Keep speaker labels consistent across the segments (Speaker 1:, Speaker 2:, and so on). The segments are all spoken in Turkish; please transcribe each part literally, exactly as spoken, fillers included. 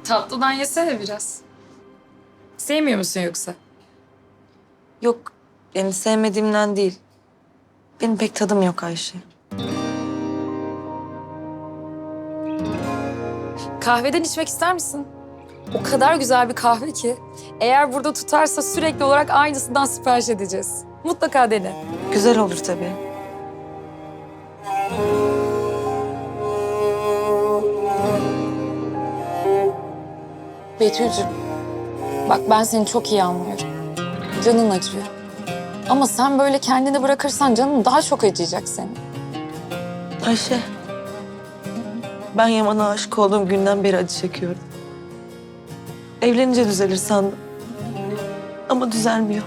Speaker 1: Tatlıdan yesene biraz. Sevmiyor musun yoksa?
Speaker 2: Yok, yani sevmediğimden değil. Benim pek tadım yok Ayşe.
Speaker 1: Kahveden içmek ister misin? O kadar güzel bir kahve ki. Eğer burada tutarsa sürekli olarak aynısından sipariş edeceğiz. Mutlaka dene.
Speaker 2: Güzel olur tabii.
Speaker 1: Betül'cüğüm, bak ben seni çok iyi anlıyorum. Canın acıyor. Ama sen böyle kendini bırakırsan canın daha çok acıyacak senin.
Speaker 2: Ayşe, ben Yaman'a aşık olduğum günden beri acı çekiyorum. Evlenince düzelir sandım. Ama düzelmiyor.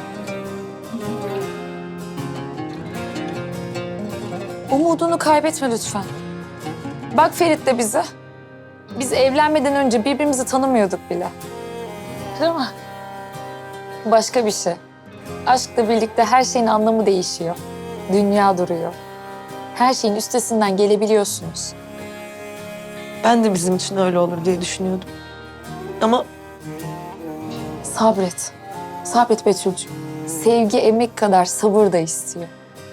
Speaker 1: Umudunu kaybetme lütfen. Bak Ferit de bize. Biz evlenmeden önce birbirimizi tanımıyorduk bile. Değil mi? Başka bir şey. Aşkla birlikte her şeyin anlamı değişiyor. Dünya duruyor. Her şeyin üstesinden gelebiliyorsunuz.
Speaker 2: Ben de bizim için öyle olur diye düşünüyordum. Ama
Speaker 1: Sabret. Sabret Betül'cüğüm. Sevgi emek kadar sabır da istiyor.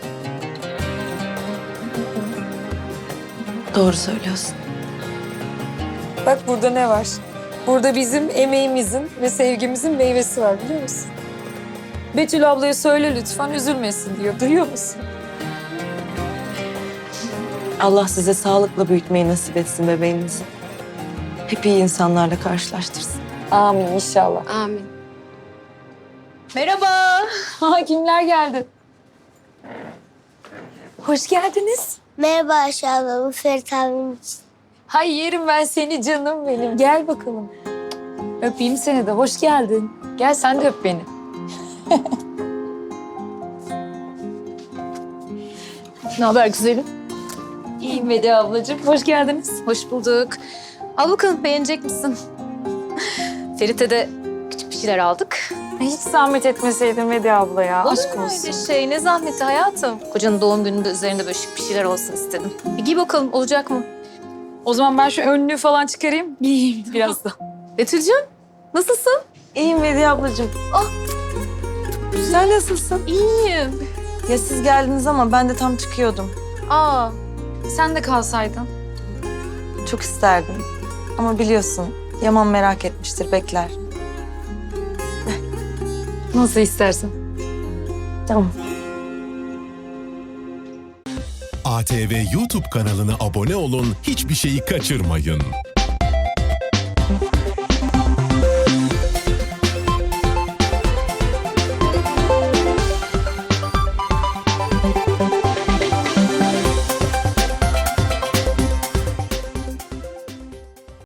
Speaker 2: doğru söylüyorsun.
Speaker 1: Bak burada ne var? Burada bizim emeğimizin ve sevgimizin meyvesi var biliyor musun? Betül ablaya söyle lütfen üzülmesin diyor. Duyuyor musun?
Speaker 2: Allah size sağlıkla büyütmeyi nasip etsin bebeğinizi. Hep iyi insanlarla karşılaştırsın.
Speaker 1: Amin inşallah.
Speaker 3: Amin.
Speaker 1: Merhaba. Ha, kimler geldi? Hoş geldiniz.
Speaker 4: Merhaba Ayşe abla, bu Ferit abim için.
Speaker 1: Hay yerim ben seni canım benim. Gel bakalım. Öpeyim seni de. Hoş geldin. Gel sen de öp beni.
Speaker 3: Ne haber güzelim?
Speaker 1: İyiyim Vedi ablacığım. Hoş geldiniz.
Speaker 3: Hoş bulduk. Al bakalım beğenecek misin? Ferit'e de küçük bir şeyler aldık.
Speaker 1: Hiç zahmet etmeseydin Vedi abla ya.
Speaker 3: Olur
Speaker 1: Aşk
Speaker 3: mu
Speaker 1: olsun.
Speaker 3: öyle şey? Ne zahmeti hayatım. Kocanın doğum gününde üzerinde böyle şık bir şeyler olsun istedim. Bir giy bakalım olacak mı?
Speaker 1: O zaman ben şu önlüğü falan çıkarayım. Giyeyim biraz da.
Speaker 3: Betül'cüğüm nasılsın?
Speaker 2: İyiyim Vediye ablacığım. Ah, sen nasılsın?
Speaker 3: İyiyim.
Speaker 2: Ya siz geldiniz ama ben de tam çıkıyordum.
Speaker 3: Aa,
Speaker 1: Sen de kalsaydın.
Speaker 2: Çok isterdim. Ama biliyorsun Yaman merak etmiştir, bekler.
Speaker 1: Nasıl istersen.
Speaker 2: Tamam.
Speaker 5: A T V YouTube kanalına abone olun, hiçbir şeyi kaçırmayın.